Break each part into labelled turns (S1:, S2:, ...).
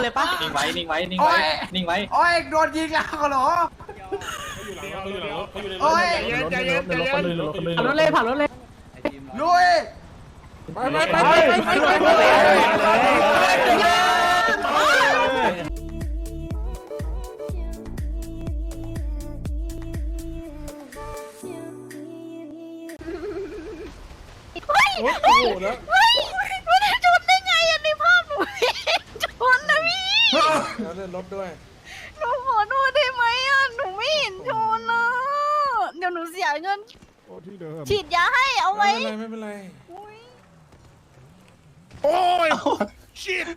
S1: เลยปะ
S2: นิ่งไว้นิ่งไว้นิ่งไว้นิ่งไว้
S3: โอ้ยโดนยิงแล้วเหรอโอ้ย
S1: ผ่านรถเลยผ่านรถเลย
S3: ลุย
S4: โอ้โหแล้วไม่ได้ชนได้ไงอ่ะในภาพหนูชนนะพี่แล้วเลื่อนรถด้วยหนูขอโทษได้ไหมอ่ะหนูไม่เห็นชนนะเดี๋ยวหนูเสียเงินฉีดยาให้เอาไว้ไม่เป็นไรโอ้ยชิด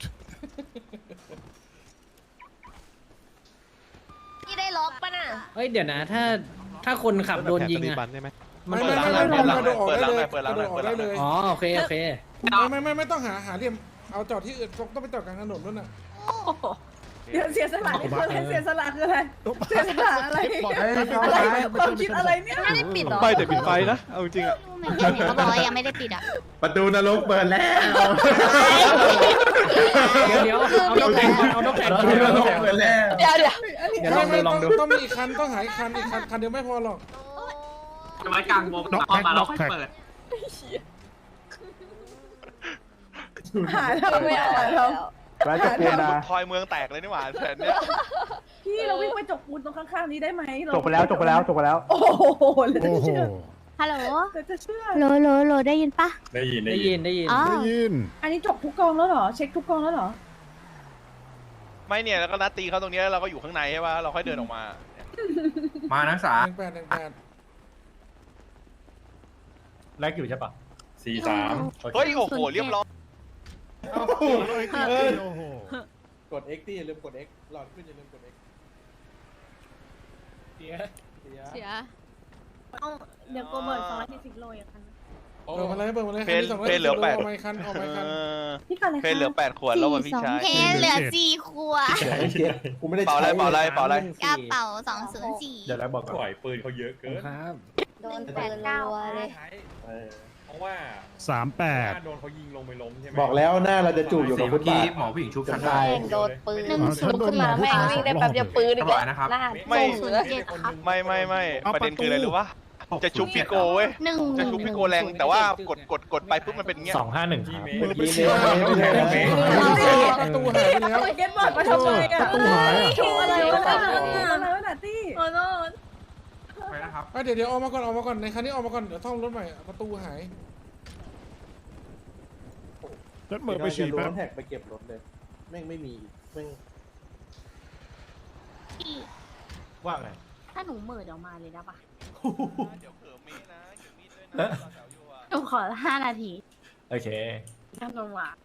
S4: นี่ได้ล็อกป่ะน่ะ
S1: เฮ้ยเดี๋ยวนะถ้าคนขับโดนยิงอะ
S3: ไม่
S5: เปิดล้างหน่อยเปิดล้างหน่อยเปิดล้างหน่อย
S1: อ๋อโอเค
S3: ไม่ต้องหาเหลี่ยมเอาจอดที่อื่นต้องไปจอดกลางถนนนู่นน่ะ
S4: เดี๋ยวเสียสละนี่คืออะไรเสียสละคืออะไรเสียสละอะไรความคิดอะไรเนี่ยไม่ได้ปิดหรอ
S5: ไม่แต่ปิดไฟนะเอาจริงอ่ะ
S4: เขาบอกว่ายังไม่ได้ปิดอ่ะ
S6: ประตูนรกเปิดแล้ว
S1: เดี๋ยวเอานกแข่งเอานกแข่ง
S6: ประตูนรกเปิดแล้ว
S4: เดี๋ยว
S1: เดี๋ยวลองดู
S3: ต้องมีอีกคันต้องหาอีกคันเดียวไม่พอหรอก
S2: ไว้กลางวงพอมาแล้วค่อยเปิด
S4: หาเราไม่หาเรา
S5: แล้วจะปูนนะทอยเมืองแตกเลยนี่หว่าแผนเนี้ย
S4: พี่เราวิ่งไปจกปูนตรงข้างๆนี้ได้ไหม
S5: จบไปแล้ว
S4: โอ้โหเลยจะเชื่อ
S7: ฮัลโหล
S4: จะเชื่อ
S7: โหลได้ยินปะ
S1: ได้ยิน
S7: อ๋อ
S4: อันนี้จบทุกกองแล้วเหรอเช็คทุกกองแล้วเหรอ
S5: ไม่เนี่ยแล้วก็นัดตีเขาตรงนี้แล้วเราก็อยู่ข้างในใช่ป่ะเราค่อยเดินออกมา
S6: มานักศึกษา
S3: 18
S6: แรกอยู่ใช่ปะ
S5: เฮ้ยโอ้โหเรียบร้อย
S3: กด X ดิอย่าลืมกด X หลอดขึ้นอย่าลืมกด X
S7: เสียเอาเดี๋ยวโกเบิร์ต240 โลอย่างนั้น
S3: เปิดมาเลย
S5: เพนเหลือ8
S3: ออกมาคัน
S4: พี่กันเลย
S5: เพนเหลือ8ขวดแล้ววันพี่ชาย
S7: เพนเหลือ4 ขวด
S3: กูไม่ได้
S5: เป่าอะไร
S7: กระเป๋า204
S6: เดี๋ยวแล้วบอกปล่อยปืนเขาเยอะเกิน
S1: ครับ
S7: โดนแปดเก้าเลย
S6: เพราะว่า
S8: 38
S6: โดนเขายิงลงไปล้มใช่ไหม
S3: บอกแล้วหน้าเราจะจูบอยู่กับฟุตบาท
S6: หมอผู้หญิงชุบกัน
S3: ใช่
S7: โดนปืน1 ขึ้นมาแม่งวิ่งได้แป๊บเดียวปืนอีกแล้ว
S5: ไม่
S7: 207ครับ
S5: ไม่ประเด็นคืออะไรรู้ปะจะชุบพี่โกเว้ยจะชุบพี่โกแรงแต่ว่ากดไปปุ๊บมันเป็นเงี้ย
S6: 251
S3: ประตูหายไปแล้ว
S4: เก็ตบอร์ดมาทำไมอ่ะประตูหายโชว์อะไรวะอะไรวะน่ะตี้โอ้โห
S6: ไปนะครับ
S3: เดี๋ยวออกมาก่อนในคันนี้ออกมาก่อนเดี๋ยวท่องรถใหม่ประตูหาย
S8: รถเหมือนไปฉี่แป๊บ
S3: แท็กไปเก็บรถเลยแม่งไม่มีแม่ง
S6: ว่าไง
S7: ถ้าหนูเหม่อเดี๋ยวมาเลยนะปะ
S5: เดี๋ยวเผื่อมีนะเก็บมีดด้วยนะแถวอยู่อ่ะ
S7: หนูขอ5 นาที
S6: โอเค
S7: ทำลงมา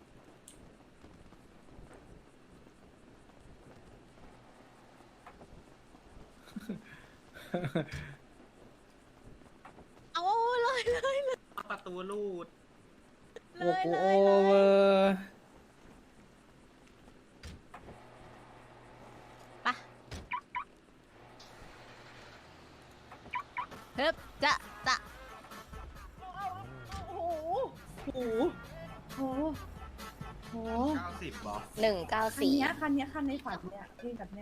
S7: เอาเลย
S2: ประตูลูด
S1: โอ้โหโอเวอร์
S7: เฮ้ยจะ
S4: โอ้โหโอ้โหโอ้โห
S6: 90บอ
S7: 194
S4: คันในฝันเนี่ยเพลงแบบเนี้ย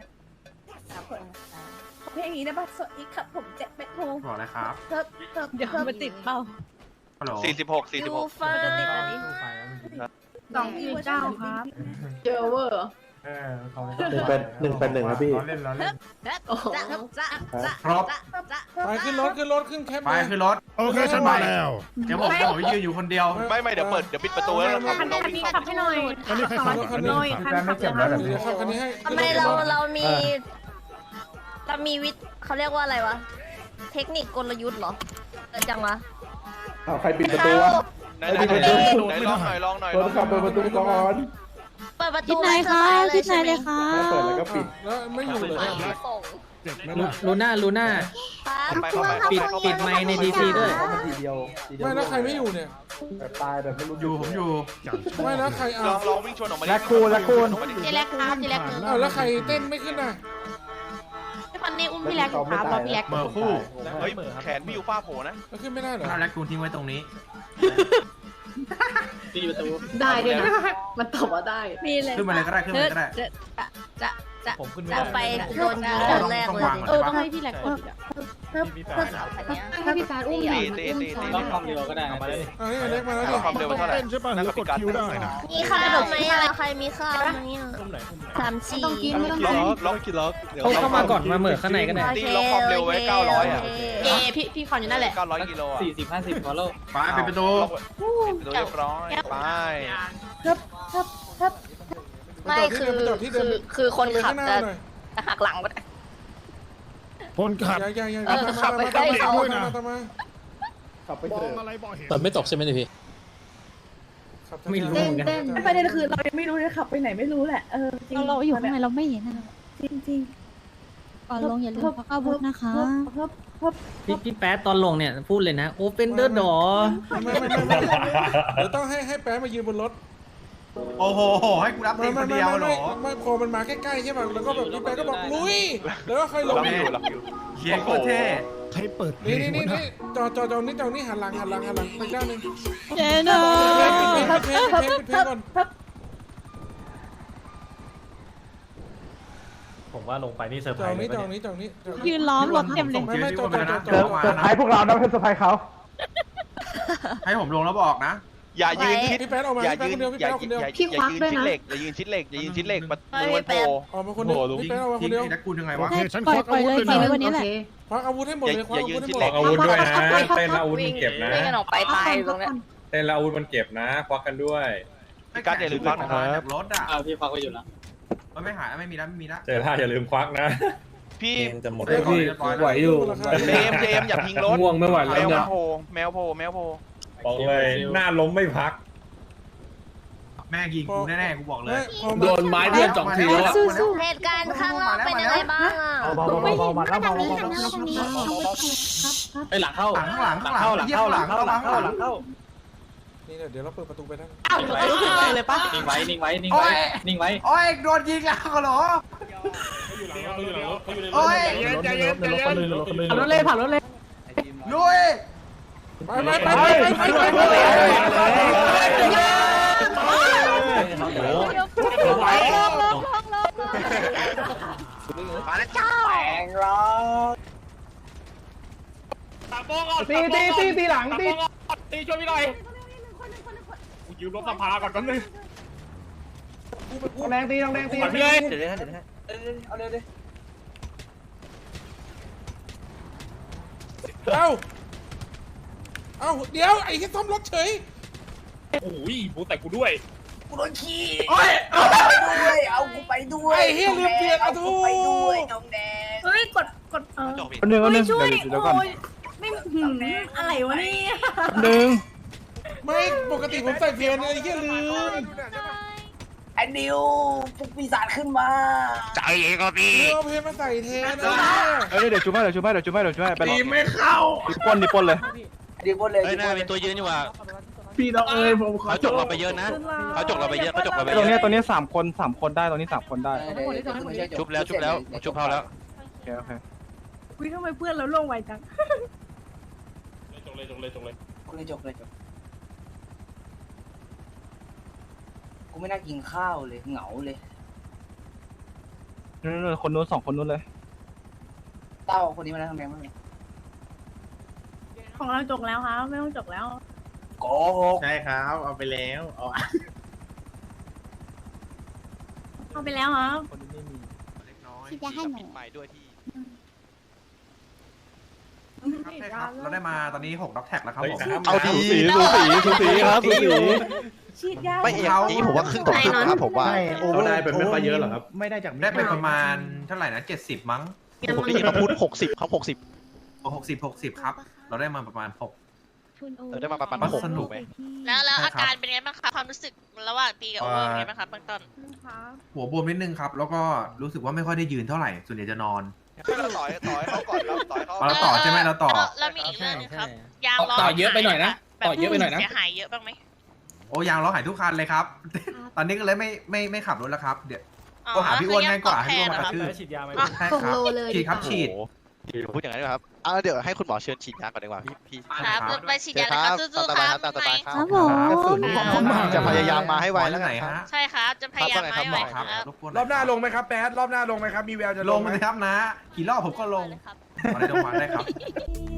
S4: เพลงนี้ได้ป่ะสวัสดีครับผมเจ็บเม็ดโฮ
S6: บอกเลยครับ
S4: เดี๋ยวมันติดเป้า
S6: ฮัลโหล
S5: 46
S7: ฟ้าจะติดอันนี้
S4: 249ครับเจอเวอร์
S6: เขา
S3: 181ครับพี่
S6: เล่น
S1: ครบ
S3: ไปขึ้นรถขึ้นแคป
S6: ไปขึ้นรถ
S8: โอเคฉันมาแล้ว
S6: เดี๋ยวผมยืนอยู่คนเดียว
S5: ไม่เดี๋ยวปิดประตูแล้วเรา
S4: คัน
S5: เราวิ่ง
S4: นี้
S5: เข้า
S4: ขับให้หน่อย
S8: อันนี้ใครขับอ่ะอันนี้
S4: คันขับเลยครับ
S3: เดี๋ยวขับคันนี้ให้
S7: ทำไมเรามีวิทย์เขาเรียกว่าอะไรวะ เทคนิคกลยุทธ์เหรอจังวะ
S3: ใครปิดประตูวะ
S5: ไหนลองหน่อย
S3: คนขับเปิดประตูก่อน
S7: เปิดประทิตูศไหนคะทิศไหนเลยคะ
S3: เปิดแล้วก็ปิดแล้วไม่อยู่เลย
S8: เจ็บไหม
S1: ลูน่าปิดไมค์ในดีซีด้วย
S3: ไม่แล้วใครไม่อยู่เนี่ยตายแบบไม่รู้
S6: ผมอยู่
S3: ไม่แล้วใคร
S5: ลองวิ่งชนออกมา
S7: เจเล็กครับเจเล็ก
S3: แล้วใครเต้นไม่ขึ้นน่ะ
S7: พี่คนนี้อุ้มพี่เล็กครับรอพี่เล็ก
S6: เบอร์คู่
S5: เฮ้ยแขนพี่ยูฟ้าโผล่นะ
S3: แล้วขึ้นไม่ได้เหรอ
S6: แล้วแลกกูทิ้งไว้ตรงนี้
S2: ตีประตู
S7: ได้ด้วยนะมันตอบว่าได้มีเลย
S6: ขึ้นมาเลยก็ได้ขึ้นมาเลยก็ได้
S4: จะ
S1: ผมขึ้นไม่
S4: จะ
S1: ได้
S4: ไปโดนยิงคนแรกเลย
S7: ให้พี่แหลกก็ให้พี่ฟ้าอุ้มหน่อย
S2: ต้องความเร็วก็ได้
S1: เอามาเลย
S3: อันนี้เล็กมาแล้วดิ
S5: ความเร็วเท่าไหร่
S8: เต้นใช่ป่ะหรือกดคิวได้นะ
S4: มีข้าวไหมอ่ะใครมีข้าวไหมอ่ะ
S1: อุ้มไหน
S4: 3-4
S7: ต้องกินไม่ต้อง
S5: ล็
S7: กิน
S5: อกล็อกกินล็อก
S1: เข้ามาก่อนมาเหมือข้างในก็ได้
S5: ตีล็อกความเร็วไว้900อ่ะ
S7: พี่ขอนอยู่นั่นแหละ
S5: 900กิโลอ่ะ
S2: 40-50ฟอลโล่
S6: ฟ้าปิดประตู
S5: เรียบร้อยไป
S4: ไม่คือคนขับจะหักหลังก็ได้
S8: คนขับ
S3: ยัง
S4: ขับไปใกล้เขา
S3: ด้วยนะตามมา
S8: มองอะไรบ่เห็น
S1: แต่ไม่ตกใช่ไหมพี่ ไม่รู้
S7: เต้นเต้นประเด็นคือเรายังไม่รู้เลยขับไปไหนไม่รู้แหละจริง
S9: เราอยู่ข้างในเราไม่เห็นนะ
S7: จริงจริง
S9: ก่อนลงอย่าลืมพักอาวุธนะคะ
S1: พี่แป๊ดตอนลงเนี่ยพูดเลยนะ Open the door
S3: ไม่เดี๋ยวต้องให้แป๊ะมายืนบนรถ
S6: โอ้โหให้กูรับตีคนเดียวเหรอ
S3: ไม่พอมันมาใกล้ๆใช่ป่ะแล้วก็แบบพี่แป๊ะก็บอกลุยแล้วก็ค่อยล
S5: ล็
S3: ง
S5: อกอยู่ล็อกอยู่
S6: เฮียโคตรเท่
S8: ใครเปิดเพล
S3: นี่
S8: ง
S3: นี่
S8: วะ
S3: นี่
S8: นะ
S3: จอนี่หันหลังไปด้านนึง
S9: เจน่า
S3: ปิดเพลงก่อน
S1: ผมว่าลงไปนี่เซอร์ไพ
S3: จ
S1: ร
S3: อ
S1: ส์เลย
S3: นี้
S9: ยืนล้อมรถเต็มเลย
S3: ไม่จอ
S6: ให้พวกเรานะเพื่อนสะพายเขาให้ผมลงแล้วบอกนะ
S5: อย่ายืนชิด
S3: พี่แป๊ะออกมา
S5: อย่า
S3: พี่
S5: ยื
S3: แป๊ะ
S5: น
S3: คนเดียว
S5: อย่ายืนชิดเหล็กอย่ายืนชิดเหล็กอย่ายืนชิดเหล็กประตูมันโผล่
S3: ออกมาคนเดียวพี่แป๊ะออกมาค
S6: ทิ้
S3: น
S6: ง
S3: เดียว
S6: ไอ้นักกูยังไง
S8: โอ
S6: วะ
S8: เคฉันควักอาวุธเลย
S9: ทิ้งไว้
S8: นะ
S9: วันนี้แหละ
S3: ควักอาวุธให้หมดเลยควักอาวุธให้หมด
S10: อาวุธด้วยนะเต้นแล้วอาวุธมันเก็บนะ
S4: ไม่กันออกไปตายตรงนี้
S10: เต้นแล้วอาวุธมันเก็บนะควักกันด้วย
S5: พี่การอย่าลืมฟังนะครับ
S6: จากรถอ่ะ
S2: พี่ฟังไปอยู่แล้ว
S6: มันไม่หายไม่มีแล้วไม่มีแล้ว
S10: เจอท่าอย่าลืมควักนะ
S5: พี่
S10: เกมจะหมด
S6: พี่ไหวอยู่
S5: เจมอย่าพิงรถ
S10: ง่วงไม่ไหว
S5: แม
S10: แล้ว
S5: ว
S10: เนี่ย
S5: โผล่แมวโผล่แมวโผล่
S10: บอกเลยหน้าล้มไม่พัก
S6: แม่ยิงกูแน่ๆกูบอกเลย
S3: โดนไม้เพื่อน2 ทีแล้ว
S4: เหตุการณ์ข้างนอกเป็นยังไงบ้างอ่ะ
S9: มาทางนี้ทางนี้
S2: ไปหลังเข้า
S6: หลังข้างหลังเข้า
S3: นี่เดี๋ยวเราเปิดประตูไปได้
S2: เลยปะนิ่งไว้นิ่งไว้นิ่งไว้นิ่งไว้
S6: โอ้ยโดนยิงแล้วเหรอโอ้ย
S7: ผ่านรถเลยผ่านรถเลย
S6: ลุย
S3: ไป
S5: มาแล้วจ้าแปลงร้อน
S6: ตีหลังตี
S2: ตีช่วยพี่หน่อยกูยืมรถสภาก่อนแป๊บนึง
S6: แรงตีแรงตี
S2: ก่อนพี่เลย
S1: เดี๋ยวนะ
S2: เอาเร็วดิ
S3: เอ้าเดี๋ยวไอ้ที่ซ่อมรถเฉย
S2: โอ้ยกูแต่กูด้วย
S3: ไอ้เฮียลืมเปลี่ยนอะทู
S7: เฮ้ยกด
S8: คนหนึ่ง
S7: ช่วยโอ้ยไม่อะไรวะนี่
S3: ไม่ปกติผมใส่เพลนไอ้เฮียลืม
S11: ไอ้นิวพวกปีศาจขึ้นมา
S5: ใจเองก็พี่
S3: เอาเพลนมาใส่แทน
S5: เดี๋ยวช่วยไป
S6: ตีไม่เข้า
S5: ดิปล้นเลย
S11: ดีบนเลย
S1: เฮ้ยน่ามีตัวยืนอยู่ว่ะ
S6: พี่น้องเอ้ยผมขอ
S1: เขาจกเราไปเยอะนะเขาจกเราไปเยอะ
S5: ตรงนี้3 คนได้ตรงนี้3 คนได้
S1: ชุบแล้วชุบเขาแล้ว
S5: โอเค
S7: คุยทำไมเพื่อนเราลงไวจัง
S2: จกเลย
S11: กูไม่น่ากินข้าวเลยเหงาเลย
S5: คนนู้น2 คนนู้นเลย
S11: เต้าคนนี้มาแล้วทำไงบ้าง
S7: ของเราจกแล้วครับไม่ต้องจกแล้ว
S11: โกหก
S6: ใช่ครับเอาไปแล้วเอา
S7: เอาไปแล้วครับ
S9: ที่จะให้หนู
S5: ใหม่ด้วยที่
S6: เราได้มาตอนนี้6ด็อกแท็กแล้วครับผม
S5: เอาดีสูสีครับสูสี
S7: ฉีดยา
S5: ไม่เอกนี้ผมว่าครึ่งต่อครึ่งนะครับผมว่า
S10: เขาได้เป็นไม่ค่อยเยอะหรอครับ
S6: ไม่ได้จากได้ไปประมาณเท่าไหร่นะ70มั้ง
S5: ผมได้ยินมาพูด60ครับ
S6: 60ครับ เราได้มาประมาณ6
S5: ได้มาประมาณ6
S6: สนุก
S4: แล้วอาการเป็นไงบ้างคะความรู้สึกระหว่างตีกับโอเวอร์เป็นไงบ้างคะเบื้องต้น
S6: หัวบวมนิดนึงครับ แล้วก็รู้สึกว่าไม่ค่อยได้ยืนเท่าไหร่ส่วนใหญ่จะนอน
S5: เราต่อยเขาก่อนเราต่อยเขา
S6: เราต่อใช่ไหมเราต่อ
S4: แล้วมีอีกเรื่องนึงครับยางล้อ
S1: ต่อเยอะไปหน่อยนะต่อเยอะไปหน่อยนะ
S4: เสียหายเยอะบ้างไหม
S6: โอ้ยางล้อหายทุกคันเลยครับ ตอนนี้ก็เลยไม่ขับรถแล้วครับเดี๋ยวก็หาพี่อ้วนง่ายกว่าให้พี่อ้วนมากระทืบ
S1: ฉีดยาไหม
S6: ใช่ครับฉีดครับฉีด
S5: พูดอย่างนั้นครับเดี๋ยวให้คุณหมอเชิญฉีดยาก่อนดีกว่าพี่
S4: ครับไปฉีดยาเลยครับสู้ๆครับ
S5: ตามสบายครับ
S9: ครับผม
S5: จะพยายามมาให้ไวแล้วไงครับ
S4: ใช่ครับจะพยายามให้ไวครับ
S6: รอบหน้าลงไหมครับแป๊ดรอบหน้าลงไหมครับมีแววจะลงไหมครับนะกี่รอบผมก็ลงมาได้ลงมาได้ครับ